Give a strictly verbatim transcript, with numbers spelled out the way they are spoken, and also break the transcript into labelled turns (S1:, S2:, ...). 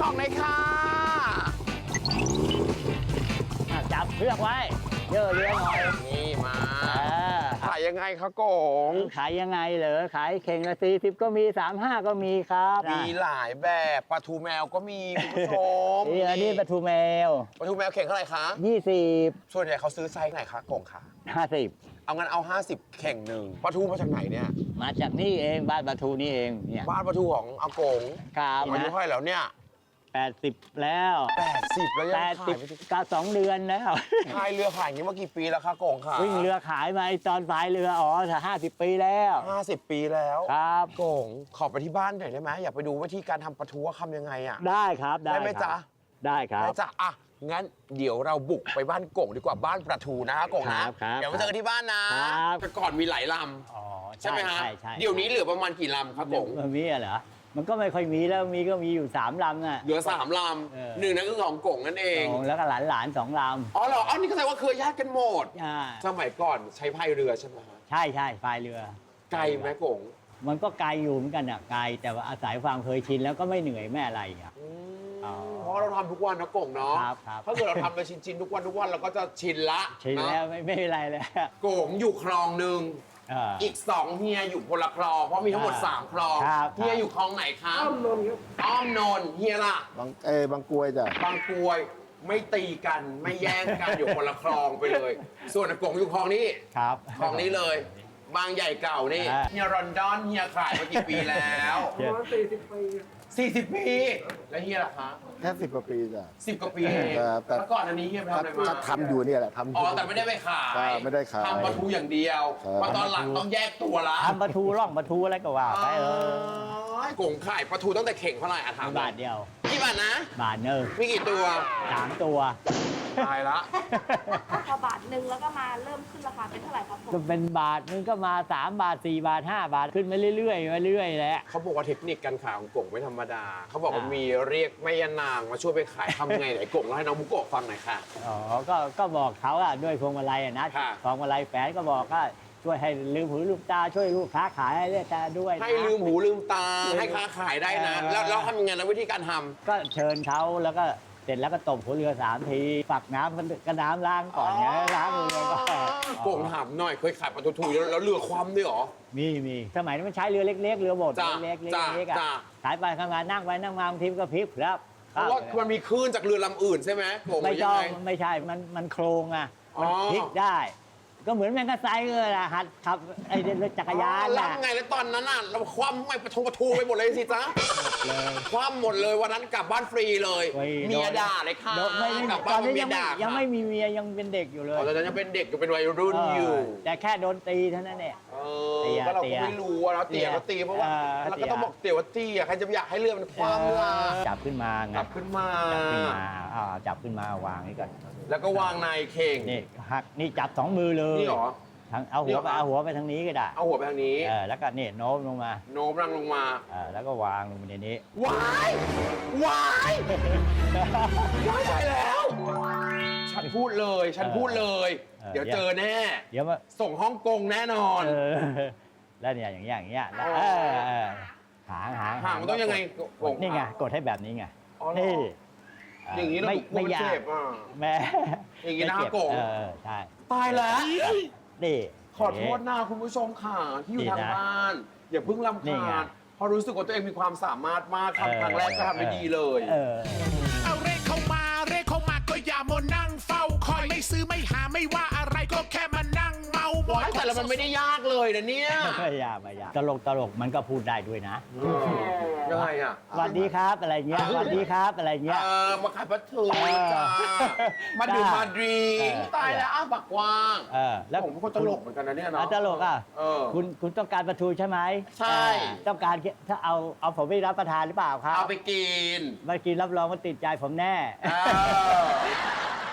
S1: ของเลยค่ะ
S2: จับเชือกไว้เยอะเยอะหน่อย
S1: นี่มาขายยังไงคะกง
S2: ขายยังไงเหรอขายเข่งละสี่สิบก็มีสามห้าก็มีครับ
S1: มีหลายแบบปลาทูแมวก็มีคุณผู้ชม
S2: นี่อันนี้ปลาทูแมว
S1: ปลาทูแมวเข่งเท่าไหร่คะ
S2: ยี่สิบ
S1: ส่วนใหญ่เขาซื้อไซส์ไหนคะกงคะ
S2: ห้าสิบ
S1: เอางั้นเอาห้าสิบเข่งหนึ่งปลาทูมาจากไหนเนี่ย
S2: มาจากนี่เองบ้านปลาทูนี่เองเนี่ย
S1: บ้านปลาทูของอากง
S2: ครับ
S1: อายุเท่าไหร่แล้วเนี่ย
S2: แปดสิบแล้ว
S1: แปดสิบแล้วยัง
S2: ขายก็สองเดือนแล้ว
S1: ขายเรือขายอย่างนี้มากี่ปีแล้วคะกงค่ะ
S2: วิ่งเรือขายมาตอนพายเรืออ๋อถ้าห้าสิบปีแล้ว
S1: ห้าสิบปีแล้ว
S2: ครับ
S1: กงขอไปที่บ้านหน่อยได้ไหมอยากไปดูวิธีการทำปลาทูว่าทำยังไงอ่ะ
S2: ได้ครับได้
S1: ไหมจ๊ะ
S2: ได้ครับ
S1: ได้จ้ะอ่ะงั้นเดี๋ยวเราบุกไปบ้านกงดีกว่าบ้านปลาทูนะกงนะเดี๋ยวมาเจอกันที่บ้านนะแต่ก่อนมีหลายลำใช่ไหมฮะเดี๋ยวนี้เหลือประมาณกี่ลำครับกง
S2: มีเหรอมันก็ไม่ค่อยมีแล้วมีก็มีอยู่สามลำอ่ะ
S1: เหลือสามลำหนึ่งนั่นก็ของกงนั่นเอง
S2: แล้วก็หลานหลานสองลำ
S1: อ๋อเหรออันนี้ก็แสดงว่าเคยญาติกันหมดสมัยก่อนใช้พายเรือใช่ไหม
S2: ใช่ใช่พายเรือ
S1: ไกลไหมกง
S2: มันก็ไกลอยู่เหมือนกันอ่ะไกลแต่ว่าอาศัยความเคยชินแล้วก็ไม่เหนื่อยไม่อะไรอ่ะ
S1: เพราะเราทำทุกวันนะกงเนาะถ้าเกิดเราทำไปชินๆทุกวันทุกวันเราก็จะชินละ
S2: ชินแล้วไม่ไม่อะไรแล้ว
S1: กงอยู่คลองหนึ่งอีกสองเฮียอยู่คนละคลองเพราะมีทั้งหมดสามคลองเฮียอยู่คลองไหนครับอ้อมนนท์ครับอ้อมนนท์เฮียล่ะ
S3: บางเอบางกรวยจ้ะ
S1: บางกรวยไม่ตีกันไม่แย่งกันอยู่คนละคลองไปเลย ส่วนกงอยู่คลองนี้
S2: ครับ
S1: คลองนี้เลยบางใหญ่เก่านี่เฮียรอนดอนเฮียขายมากี่ปีแล้ว
S3: ประมาณสี่สิบปี
S1: สี่สิบปีแล้วเฮียล่ะคะ
S3: แค่สิบกว่าปีจ้ะ
S1: สิบกว่าปีเองแล้วก่อนอันนี้เฮียทำอะไรมา
S3: ทำอยู่เนี่ยแหละทำ
S1: อ๋อแต่ไม่ได้ไปขาย
S3: ไม่ได้ขาย
S1: ทำปลาทูอย่างเดียวมาตอนหลังต้องแยกตัวละ
S2: ทำปลาทูร่องปลาทูอะไรก็ว่าไปเอ
S1: อกงขายปลาทูตั้งแต่เข่งเท่าไหร่อะถาม
S2: บาทเดียว
S1: กี่บาทนะ
S2: บาทเนอ
S1: มีกี่ตัว
S2: สามตัว
S1: ตายละ
S4: พอบาทหนึ่งแล้วก็มาเริ่มขึ้นราคาเป็นเท่าไหร่ครับผม
S2: ก็เป็นบาทนึงก็มาสามบาทสี่บาทห้าบาทขึ้นมาเรื่อยๆมาเรื่อยๆแล้ว
S1: เขาบอกว่าเทคนิคการขายของกงไม่ธรรมดาเขาบอกว่ามีเรียกแม่ยานางมาช่วยไปขายทำไงไหนกงแล้วให้น้องบุโกะฟังหน่อยค่ะ
S2: อ๋อก็ก็บอกเขาอะด้วยพวงมาลัยอะนะพวงมาลัยแฝนก็บอกก็ช่วยให้ลืมหูลืมตาช่วยลูกค้าขายให้ได้ด้วย
S1: ให้ลืมหูลืมตาให้ค้าขายได้นะแล้วแล้วทำยังไงแล้ววิธีการทำ
S2: ก็เชิญเขาแล้วก็เสร็จแล้วก็ตบหัวเรือสามทีฝักน้ำมันก็น้ำล้างก่อนเนี่ยล้างเรือก็
S1: โก่งถามหน่อยเคยขายปลาทูแล้วเรือคว่ำด้วยหรอ
S2: มีมีสมัยนั้นมันใช้เรือเล็กๆเรือโบสถ์เล็กๆเล็กๆอ่ะขายไปทำงานนั่งไปนั่งมาบางทีก็พลิกครับ
S1: เพราะว่ามันมีคลื่นจากเรือลำอื่นใช่ไหม
S2: ไม่ต้องไม่ใช่มันมันโครงอ่ะมันพลิกได้ก็เหมือนแมงกะไซเลยล่ะหัดขับไอ้รถจักรยาน
S1: แล้วไงแล้วตอนนั้นน่ะเราคว่ำไม่ประทงประทูไปหมดเลยสิจ๊ะคว่ำหมดเลยวันนั้นกลับบ้านฟรีเลยเมียด่าเลยค่ะ
S2: กลับบ้านเมียด่ายังไม่มีเมียยังเป็นเด็กอยู่เลย
S1: ตอนนั้นยังเป็นเด็กอยู่เป็นวัยรุ่นอยู่
S2: แต่แค่โดนตีเท่านั้นแหละ
S1: ก็เราก็ไม่รู้ว่าเราเตี๋ยก็ตีเพราะว่าเราก็ต้องบอกเตี๋ยว่าตีใครจะอยากให้เรือมันคว่ำล่ะ
S2: จับขึ้นมาไง
S1: จับขึ้นมา
S2: จับขึ้นมาอ่าจับขึ้นมาวางนี่ก่อน
S1: แล้วก็วางในเข่ง
S2: นี่หักนี่จับสองมือเลย
S1: นี่หรอ
S2: เอาหัวไปเอาหัวไปทางนี้ก็ได้
S1: เอาหัวไปทางนี้
S2: เออแล้วก็นี่โน้มลงมา
S1: โน้มรังลงมา
S2: เออแล้วก็วางลงไปในนี้
S1: วายวายไม่ใช่แล้วฉันพูดเลยฉันพูดเลยเดี๋ยวเจอแน่
S2: เดี๋ยวมา
S1: ส่งฮ่องกงแน่นอน
S2: แล้วเนี่ยอย่างเงี้ยอย่างเงี้ยแล้วหางหาง
S1: หางมันต้องยังไง
S2: นี่ไงกดให้แบบนี้ไงนี่
S1: อย่างนี้เราไม่ยาก
S2: แม่
S1: อย่างนี้นะโกง
S2: ใช่
S1: ตายแล้ว
S2: นี่
S1: ขอโทษนะคุณผู้ชมค่ะที่อยู่ทางบ้านอย่าเพิ่งรำคาญเพราะรู้สึกว่าตัวเองมีความสามารถมากทำครั้งแรกก็ทำได้ดีเลย
S5: เอาเรขเข้ามาเรขเข้ามาก็อย่ามานั่งเฝ้าคอยไม่ซื้อไม่หาไม่ว่าอะไรก็แค่มานั่งเมาหมด
S1: แต่ละมันไม่ได้ยากเลยนะเนี่ย
S2: ไม่ยากไม่ยากตลกตลกมันก็พูดได้ด้วยนะ
S1: ยังไงอ่ะ
S2: สวัสดีครับอะไรเงี้ยสวัสดีครับอะไรเงี้ย
S1: เออมาขายปลาทูจ้ามาดื่มมาดริงตายแล้วอ้าวปากกว้าง
S2: เออแล้ว
S1: ผมเป็นคนตลกเหมือนกันนะเนี่ยเนาะ
S2: ตลกอ่ะคุณคุณต้องการปลาทูใช่ไหม
S1: ใช่
S2: ต้องการถ้าเอาเอาผมไปรับประทานหรือเปล่าครับ
S1: เอาไปกิน
S2: มากินรับรองว่าติดใจผมแน่